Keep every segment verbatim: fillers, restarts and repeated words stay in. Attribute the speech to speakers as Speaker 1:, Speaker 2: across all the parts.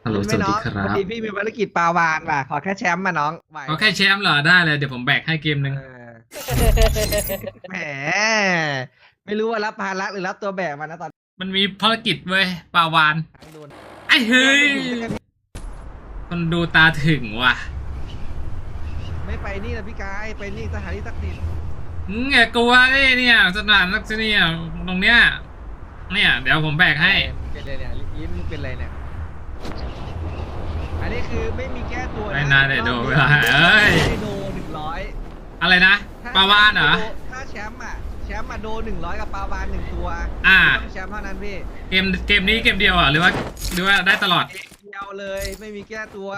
Speaker 1: ฮัลโหลสวัสดีครั
Speaker 2: พอบดีพี่มีภารกิจปลาวานว่ะขอแค่แชมป์มาน้องไหว
Speaker 1: ก็แค่แชมป์เหรอได้เลยเดี๋ยวผมแบกให้เกมหนึ่ง
Speaker 2: เออแหมไม่รู้ว่ารับภาระหรือรับตัวแบกมานะตอน
Speaker 1: มันมีภารกิจเว้ยปลาวาน
Speaker 2: ทางโดน
Speaker 1: ไอ้เฮ้ยคนดูตาถึงว่ะ
Speaker 2: ไม่ไปนี่นะพี่กายไปนี่สถานที่ศักดิ์สิทธิ์
Speaker 1: มึงอย่ากลัวดิเนี่ยสถานนักที่เนี่ยตรงเนี้ยเนี่ยเดี๋ยวผมแบกให้
Speaker 2: เป็นอะไรเนี่ยยิ้มเป็นอะไรเนี่ยอันนี้คือไม่มีแก้ตัวนะ
Speaker 1: ไม่น่าได้โดนเวลาเอ้ย
Speaker 2: ได้โดหนึ่งร้อย
Speaker 1: อะไรนะปลาวานเหรอ
Speaker 2: ถ้าแชมป์อ่ะแชมป์มาโดหนึ่งร้อยกับปลาวานหนึ่งตัว
Speaker 1: อ่า
Speaker 2: ต้องแชมป์เท่านั้นพี่
Speaker 1: เกมเกมนี้เกมเดียวอ่ะหรือว่าหรือว่าได้ตลอด
Speaker 2: เดียวเลยไม่มีแก้ตัว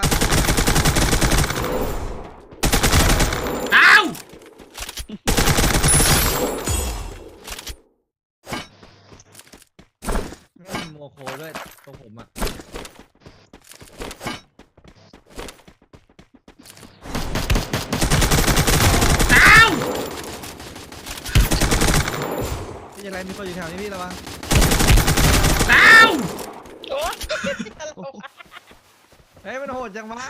Speaker 1: อ้าว
Speaker 2: ไม่มีโมโคด้วยตรงผมอ่ะ
Speaker 1: อ้าว
Speaker 2: พี่จะไรมีคนอยู่แถวนี้พี่ระวัง
Speaker 1: อ้าว
Speaker 2: เฮ้ยมันโหดจังวะ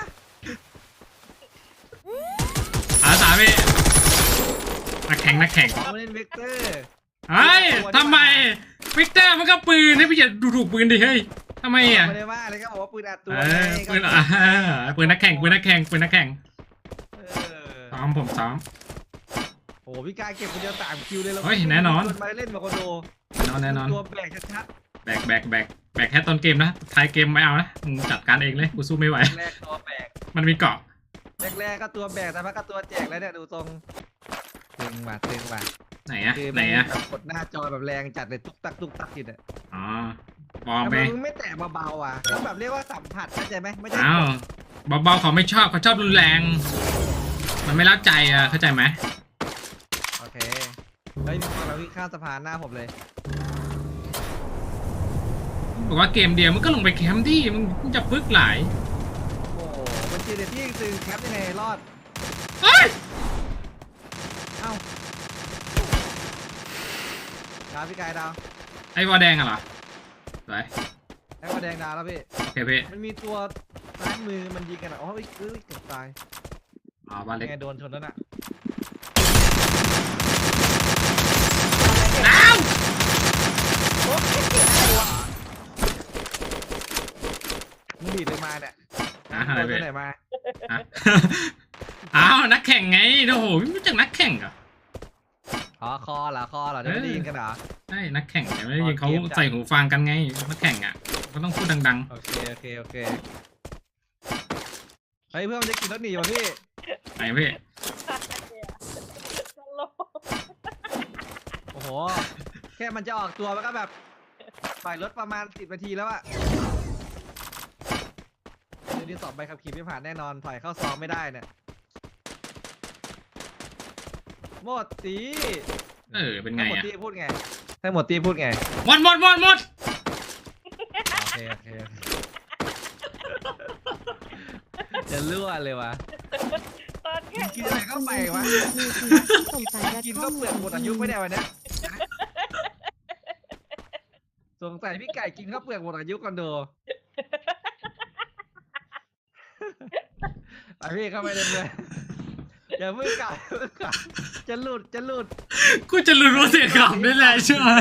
Speaker 1: อาสาพี่นักแข่งนักแข่ง
Speaker 2: เขาเล่นเวกเตอร์
Speaker 1: เฮ้ยทำไมวิกเตอร์มันก็ปืนให้พี่อย่าดูถูกปืนดิเฮ้ยทำไมอ่ะ
Speaker 2: ไม่ได้ว่าเลยก็บอกว่าปืนอัดตัว
Speaker 1: ปืนอ่ะปืนนักแข่งปืนนักแข่งปืนนักแข่งซ้อมผมซ้อม
Speaker 2: โอ้พี่กายเก็บคนเดียวสามคิวเลยแล้ว
Speaker 1: เฮ้ยแน่นอน
Speaker 2: มาเล่นมาโคโด
Speaker 1: แน่นอนแน่นอน
Speaker 2: ตัวแบกชัด
Speaker 1: แบกแบกแบกแบกแค่ต้นเกมนะท้ายเกมไม่เอานะมึงจัดการเองเลยกูสู้ไม่ไหว
Speaker 2: แรกตัวแบก
Speaker 1: มันมีเกาะ
Speaker 2: แรกๆก็ตัวแบกแต่ว่าก็ตัวแจกแล้วเนี่ยดูตรงตึงมาตึงมา
Speaker 1: ไหนอะไหนอะ
Speaker 2: กดหน้าจอแบบแรงจัดเลยตุ๊กตักตุ๊กตักกินอ่ะ
Speaker 1: อ๋อบอกไป
Speaker 2: มึงไม่แตะเบาๆอ่ะเขาแบบเรียกว่าสัมผัสเข้าใจไหมไม่ใช่
Speaker 1: อ้าวเบาๆเขาไม่ชอบเขาชอบรุนแรงมันไม่เล่าใจอ่ะเข้าใจไหม
Speaker 2: โอเคเฮ้ยมีคนมาวิ่งข้ามสะพานหน้าผมเลย
Speaker 1: บอกว่าเกมเดียวมันก็ลงไปแคมป์ที่มึงจะพึกหลาย
Speaker 2: โอ้มันจีเดที่ตึงแคปยังไงรอด
Speaker 1: เฮ้ย
Speaker 2: เอ้าดาวพี่กายดาว
Speaker 1: ไอ้วอแดงอะเหรอไป
Speaker 2: ไอ้วอแดงดาวแล้วพี่
Speaker 1: โอเคพี่
Speaker 2: มันมีตัวซ้ายมือมันยิงกันอ่ะอ๋อเอ้ยเอ้ยเกือบตาย
Speaker 1: อ๋อบ้านเล็ก
Speaker 2: ไงโดนชนแล้วน่ะ
Speaker 1: ดาว
Speaker 2: มึงดีดเลยมาเนี่ย
Speaker 1: อ่ะอะไรไป
Speaker 2: ไหนมา
Speaker 1: อ้าวนักแข่งไงโอ้โหไม่รู้จักนักแข่งเหรอ
Speaker 2: อ๋อคอเหรอคอเหรอไม่ได้ยินกันเหรอ
Speaker 1: ใช่นักแข่งไม่ได้ยินเขาใส่หูฟังกันไงนักแข่งอ่ะก็ต้องพูดดัง
Speaker 2: ๆโอเคโอเคโอเคเฮ้ยเพื่อนจะกินรถหนีวะพี่
Speaker 1: ไหนพี่
Speaker 2: โอ้โหแค่มันจะออกตัวมันก็แบบปล่อยรถประมาณสิบนาทีแล้วอะเดี๋ยวนี้สอบใบขับขี่ไม่ผ่านแน่นอนถอยเข้าซองไม่ได้เนี่ยหมดตี
Speaker 1: เออเป็นไง
Speaker 2: หมด
Speaker 1: อ่ะ
Speaker 2: ตีพูดไงให้หมดตีพูดไง
Speaker 1: หมดหมดหมดหมด
Speaker 2: โอเคโอเคจะรั่วเลยวะกินอะไรก็ไปวะกินก็เปลือกหมดอายุไม่ได้วันนี้สงสัยพี่ไก่กินข้าวเปลือกหมดอายุกันโดไปพี่เข้าไปเรื่อยๆอย่าเพิ่งกลับจะหลุดจะหลุด
Speaker 1: กูจะหลุดว่าเสียงขำได้แหละใช่ไหม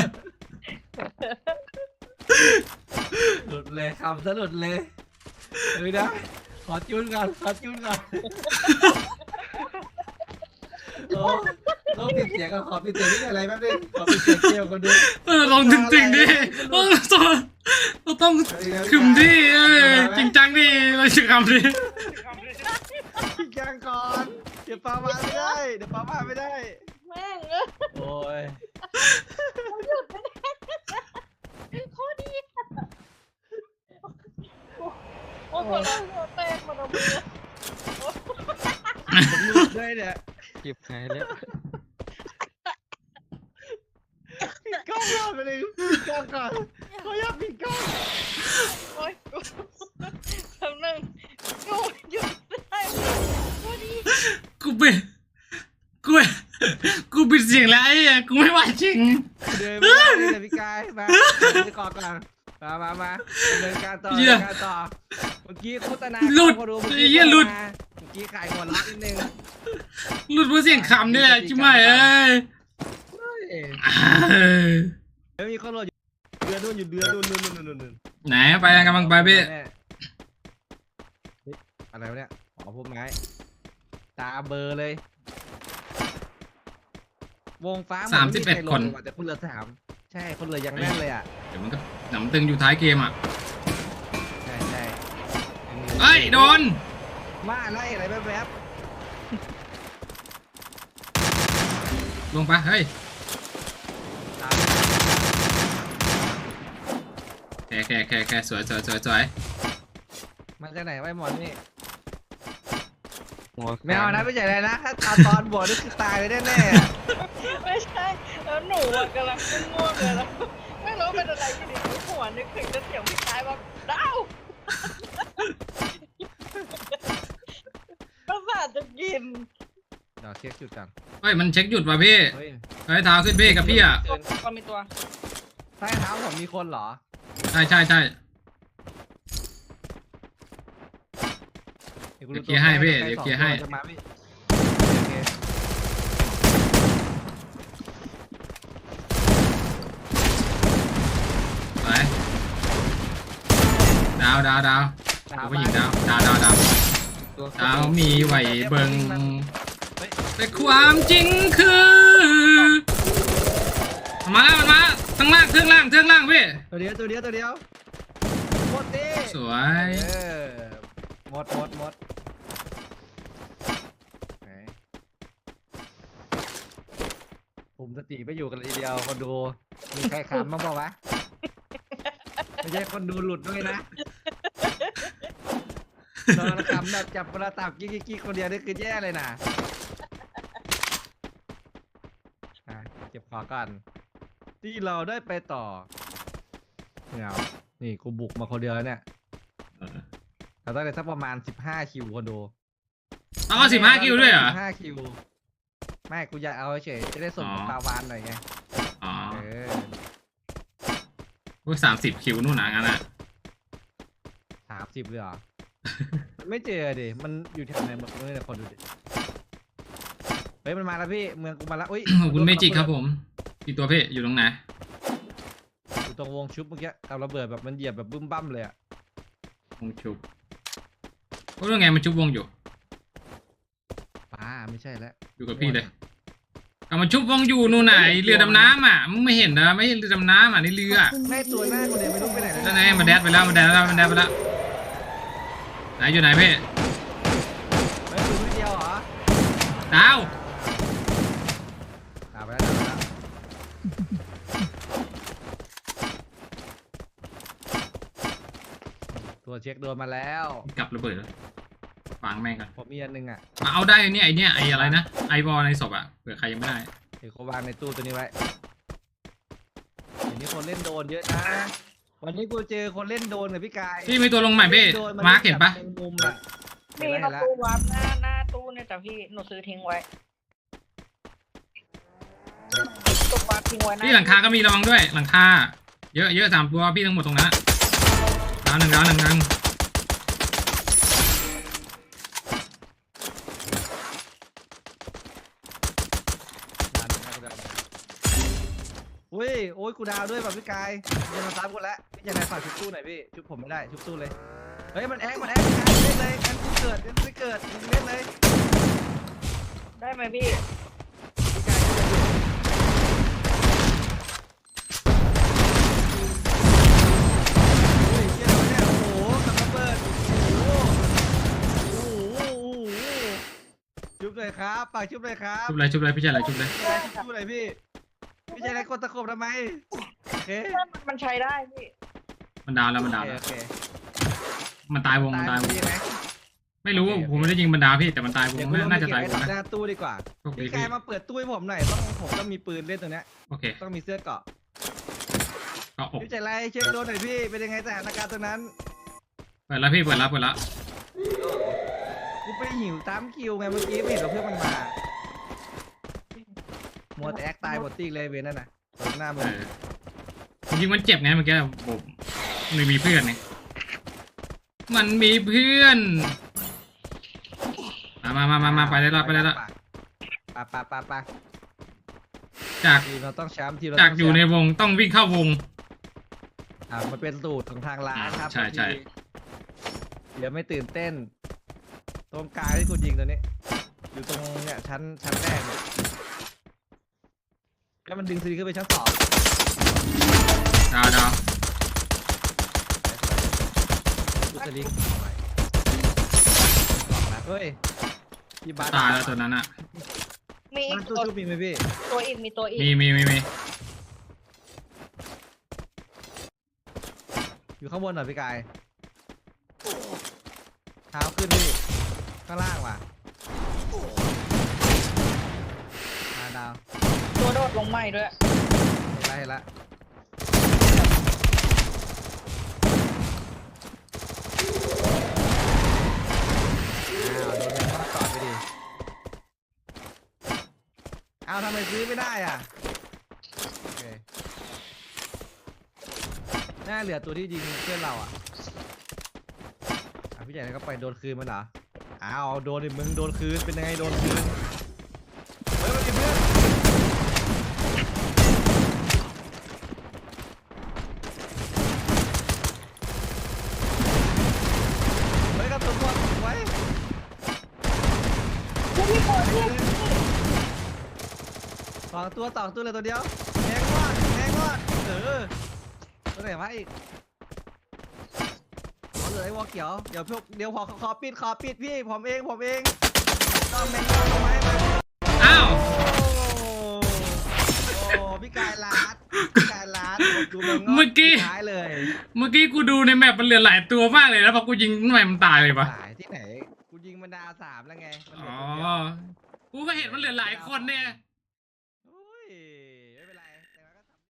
Speaker 2: หลุดเลยคำซะหลุดเลยเฮ้ยนะขอจุนก่อนขอจุนก่อนโอ้ต้องปิดเสียงก่อนขอปิดเสียงนี่อะไรแป๊บนึงขอปิดเสียงเกี่ยวกันดู
Speaker 1: เออลองจริงๆดิเออต้องเราต้องขึมดิเออจริงจังดิเราจะขำดิ
Speaker 2: จริงจังก่อนเดี๋ยวปลามาไม่ได้เดี๋ยวปลามาไม่ได้
Speaker 3: แม่ง
Speaker 2: โอ้ย
Speaker 3: หยุดไม่ได้โคตรดีโอ้โหเราเต้นมาตรงนี้
Speaker 2: หลุดด้วยเนี่ยเก็บหายแล้วปิดกล้องก่อนไปเลยปิดกล้องก่อนเขาอยากปิดกล้อง
Speaker 3: โอ้ยคำนึงกูหยุดได้กูดี
Speaker 1: กูเป็นกูกูปิดเสียงแล้วไอ้กูไม่ไหวจริง
Speaker 2: เดินไปเลยพี่กายมาไปกอดก่อนมามามาเดินการต่อเดินการต่อไปมื่อกี้โฆษณา
Speaker 1: หลุด
Speaker 2: เขาดู
Speaker 1: ไอ้เหี้ยหลุด
Speaker 2: เมื่อกี้ขายหัวลักนิดนึง
Speaker 1: หลุดเพราะเสียงขำนี่แหละจิ๋มไม่เอ้ย
Speaker 2: เฮ้ย
Speaker 1: เอ้ย
Speaker 2: เฮ้ยมีคนโหลดอยู่เดือนนู่นอยู่เดือนนู่นนู่นนู่นนู่นนู่น
Speaker 1: ไหนไปกำลังไปพี่
Speaker 2: เฮ้ยอะไรวะเนี่ยอ๋อพวกไม้ตาเบลอร์เลย วงฟ้า
Speaker 1: สามสิบเอ็ด
Speaker 2: ใรโหล
Speaker 1: คน
Speaker 2: ว่ะแต่คนเหลือสามใช่คนเหลือยังแน่นเลยอ่ะ
Speaker 1: เดี๋ยวมันก็หนำตึงอยู่ท้ายเกมอ่ะ
Speaker 2: ใช่ใช่
Speaker 1: เอ้ยโดน
Speaker 2: ว่าไล่อะไรแวบ
Speaker 1: ลงไปเฮ้ย
Speaker 2: ๆตาม
Speaker 1: แค่แค่แค่แค่สวยสวยสวยสวย
Speaker 2: มาจากไหนไว้หมอนนี่ไม่เอานะไม่ใช่เลยนะถ้าตอนตอนบวกนี่คือตายเลยแน่ๆอะ
Speaker 3: ไม่ใช่แล้วหนูอะกำลังง่วงเลยแล้วไม่รู้เป็นอะไรที่ดีหัวนึกถึงจะเสียงพี่ชายว่าดาวประสาทจะกิน
Speaker 2: เดี๋ยวเช็คจุดกัน
Speaker 1: เฮ้ยมันเช็คหยุดว่ะพี่
Speaker 2: เฮ้ย
Speaker 1: เฮ้ยเท้าขึ้นพี่กับพี่อ่ะ
Speaker 3: ตัวก็มีตัว
Speaker 2: ใต้เท้าผมมีคนเหรอ
Speaker 1: ใช่ใช่ใช่
Speaker 2: ดี๋วกู
Speaker 1: เดี๋ยวเคลียร์ให้พี่เดี๋ยวเคลียร์ให้
Speaker 2: จะมาพี่โอเค
Speaker 1: ไปดาวดาวดาว
Speaker 2: ดาว
Speaker 1: ผู้หญิงดาวดาวดาวดาว
Speaker 2: ตัว
Speaker 1: ดาวมีไหวเบิง
Speaker 2: เฮ้ย
Speaker 1: แต่ความจริงคือมันมาแล้วมันมาทั้งล่างเครื่องล่างเครื่องล่างพี่
Speaker 2: ตัวเดียวตัวเดียวตัวเดียวหมดดิ
Speaker 1: สวย
Speaker 2: เออหมดหมดหมดไหนผมสติไม่อยู่กันเลยทีเดียวคนดูมีใครขำบ้างเปล่าวะไม่ใช่คนดูหลุดด้วยนะนอนขำแบบจับโทรศัพท์กิ๊กกิ๊กคนเดียวนี่คือแย่เลยนะอ่ะเก็บของก่อนที่เราได้ไปต่อเงานี่กูบุกมาคนเดียวแล้วเนี่ยเราต้องได้สักประมาณสิบห้าคิวคนดู
Speaker 1: ต้องเอาสิบห้าคิวด้วยเหรอ
Speaker 2: สิบห้าคิวไม่กูอยากเอาเฉยจะได้ส่ง
Speaker 1: อ๋อ
Speaker 2: ปลาวานหน่อยไง
Speaker 1: อ๋อ
Speaker 2: เออ
Speaker 1: พวกสามสิบคิวนู่นนะงั้นอ่ะ
Speaker 2: สามสิบเลยเหรอ ไม่เจอดิมันอยู่แถวไหนหมดเลยเนี่ยคนดูดิเฮ้ยมันมาแล้วพี่เมืองกูมาแล้วอุ้ย
Speaker 1: ขอบคุณเมจิกครับผมกี่ตัวพี่อยู่ตรงไหน
Speaker 2: อยู่ตรงวงชุบเมื่อกี้เอาระเบิดแบบมันเหยียบแบบบึ้มบั้มเลยอะ
Speaker 1: วงชุบโอ้ยไงมันชุบวงอยู่
Speaker 2: ป้าไม่ใช่แล้ว
Speaker 1: อยู่กับพี่เลยกำมันชุบวงอยู่นู่นไหนเรือดำน้ำอ่ะมึงไม่เห็นนะไม่เห็นเรือดำน้ำอ่ะนี่เรือ
Speaker 2: แม่ตัวหน้าคนเดียวไม่รู้ไปไหนเลย
Speaker 1: นั่นไงมันแดดไปแล้วมันแดดไปแล้วมันแดดไปแล้วไหนอยู่ไหนพี่
Speaker 2: เฮ้ยตัวนิดเดียวเหรอ
Speaker 1: ดาว
Speaker 2: ตามไปแล้วตามไปแล้วตัวเช็คโดนมาแล้ว
Speaker 1: กลับระเบิดวางแม่งกัน
Speaker 2: ผมมีอันหนึงอ่ะ
Speaker 1: มาเอาได้เนี่ยไอเนี่ยไออะไรนะไอบอลในศพอ่ะเผื่อใครยังไม่ได้
Speaker 2: เดี๋ยวเขาวางในตู้ตัวนี้ไว้เดี๋ยวนี้คนเล่นโดนเยอะนะ วันนี้กูเจอคนเล่นโดนกับพี่กาย
Speaker 1: พี่มีตัวลงใหม่พี่
Speaker 2: โดน
Speaker 1: มาร์คเห็นปะ
Speaker 2: แบบมุมๆอะ
Speaker 3: มี
Speaker 2: เห็น
Speaker 3: ประ
Speaker 2: แล้ว
Speaker 3: ตูวับหน้าหน้าตู้เนี่ยแต่พี่หนูซื้อทิ้งไว้ตู้วับทิ้งไว้นะ
Speaker 1: พี่หลังคาก็มีระวังด้วยหลังคาเยอะเยอะสามตัวพี่ทั้งหมดตรงนั้นดาวหนึ่งดาวหนึ่งดาวหนึ่ง
Speaker 2: ดันนะกูดันอุ้ยโอ้ยกูดาวด้วยแบบพี่กายจะมาตามกูแล้วพี่จะไหนฝากชุบตู้หน่อยพี่ชุบผมไม่ได้ชุบตู้เลยเฮ้ยมันแอ๊กมันแอ๊กพี่กายเล่นเลยงั้นกูเกิดงั้นกูไม่เกิดมึงเล่นเลย
Speaker 3: ได้ไหมพี่
Speaker 2: พี่กายช่วยดูโอ้ยเชี่ยอะไรวะเนี่ยโอ้โหกับระเบิดโอ้โหโอ้โหโอ้โหชุบเลยครับฝากชุบเลยครับ
Speaker 1: ชุบเลยชุบเลยพี่ชายอะไรชุบเลย
Speaker 2: พี่ชายชุบอะไรพี่พี่ชายอะไรกดตะขบทำไมโอเค
Speaker 3: มันใช้ได้พี่
Speaker 1: มันดาวแล้วมัน
Speaker 2: โอ
Speaker 1: ดาว
Speaker 2: เค
Speaker 1: แล้ว
Speaker 2: โอเค
Speaker 1: มันตายวงมันตายวง
Speaker 2: ดีไหม
Speaker 1: ไม่รู้
Speaker 2: โอเคโอเค
Speaker 1: ผมไม่ได้ยิงมันดาวพี่แต่มันตายวง
Speaker 2: เดี๋ยวกูลงไป
Speaker 1: น่าจะ
Speaker 2: เก็บ
Speaker 1: ตาย
Speaker 2: ไว้
Speaker 1: วงนะ
Speaker 2: หน้าตู้ดีกว่า
Speaker 1: โชคดี
Speaker 2: พี่
Speaker 1: พี่
Speaker 2: กายมาเปิดตู้ให้ผมหน่อยต้องผมต้องมีปืนเล่นตรงเนี้ย
Speaker 1: โอเค
Speaker 2: ต้องมีเสื้อเกราะ
Speaker 1: ก็อก
Speaker 2: พี่ใจไรเช็คโดนหน่อยพี่เป็นยังไงสถานการณ์ตรงนั้น
Speaker 1: เปิดแล้วพี่เปิดแล้วเปิดแล้ว
Speaker 2: กูไปหิวตามคิวไงเมื่อกี้ไม่เห็นเราเพื่อนมันมามัวแต่แอคตายหมดตีเลยเวนนั่นน่ะตรงหน้ามึ
Speaker 1: เอง อจริงๆมันเจ็บไงเมื่อกี้ผมไม่มีเพื่อนไงมันมีเพื่อนมามามามามาไปได้ละไปได้ละ
Speaker 2: ปะปะปะปะ
Speaker 1: จาก
Speaker 2: ทีมเราต้องแชมป์ทีมเรา
Speaker 1: จาก
Speaker 2: ต้ง
Speaker 1: อยู่ใน
Speaker 2: แชมป์
Speaker 1: วงต้องวิ่งเข้าวง
Speaker 2: อ่ามันเป็นสูตรของทางร้านครับ
Speaker 1: ใช่ใช่
Speaker 2: บางทีเดี๋ยวไม่ตื่นเต้น ตรงกลางที่กูยิงตัวนี้ อยู่ตรงเนี่ยชั้นชั้นแรกเนี่ยแล้วมันดึงซีดีขึ้นไปชั้นสอง
Speaker 1: ดาวดาว
Speaker 2: ดูสลิงเฮ้ยพี่บาส
Speaker 1: ตายแล้วตัวนั้นอ่ะ
Speaker 3: มีอี
Speaker 2: มัน
Speaker 3: ก
Speaker 2: ตู้
Speaker 3: ตัว
Speaker 2: ชุบมีไหมพี่
Speaker 3: ตัวอีกมีตัวอีก
Speaker 1: มีมีมีมี
Speaker 2: อยู่ข้างบนหน่อยพี่กายเท้าขึ้นพี่ข้างล่างว่ะมาดาว
Speaker 3: ตัวโดดลงใหม่ด้วย
Speaker 2: เห็นละเห็นละอ้าวโดนแมงมุมตอดไปดิอ้าวทำไมซื้อไม่ได้อ่ะโอเคน่าเหลือตัวที่ยิงเพื่อนเราอ่ะอ่ะพี่ใหญ่ก็ไปโดนคืนมันเหรออ้าวโดนดิมึงโดนคืนเป็นยังไงโดนคืนเฮ้ยมันมีเพื่อนเฮ้ยกระสุนหมดไว้
Speaker 3: ผู้พี่คนเรียก
Speaker 2: สองตัวสองตัวเลยตัวเดียวแทงงอดแทงงอดเออตัวไหนวะอีกอ๋อเหลือไอ้วอเขียวเดี๋ยวพวกเดี๋ยวขอขอปิดขอปิดพี่ผมเองผมเองต้องแมงงอดลงมาให้มัน
Speaker 1: อ้าว
Speaker 2: โอ้โอ้พี่กายลาดพี่กายลาดดูแมงงอด
Speaker 1: เมื่อกี้
Speaker 2: ท้ายเลย
Speaker 1: เมื่อกี้กูดูในแมปมันเหลือหลายตัวมากเลยแล้วพอกูยิงทำไมมันตายเลยปะ
Speaker 2: หายที่ไหนกูยิงมันดาวสามแล้วไงมันเหลื
Speaker 1: อ๋
Speaker 2: อ
Speaker 1: อ
Speaker 2: ตัวเดียว
Speaker 1: กูก็เห็นมันเหลือหลายคนเนี่ย
Speaker 2: โอ้ย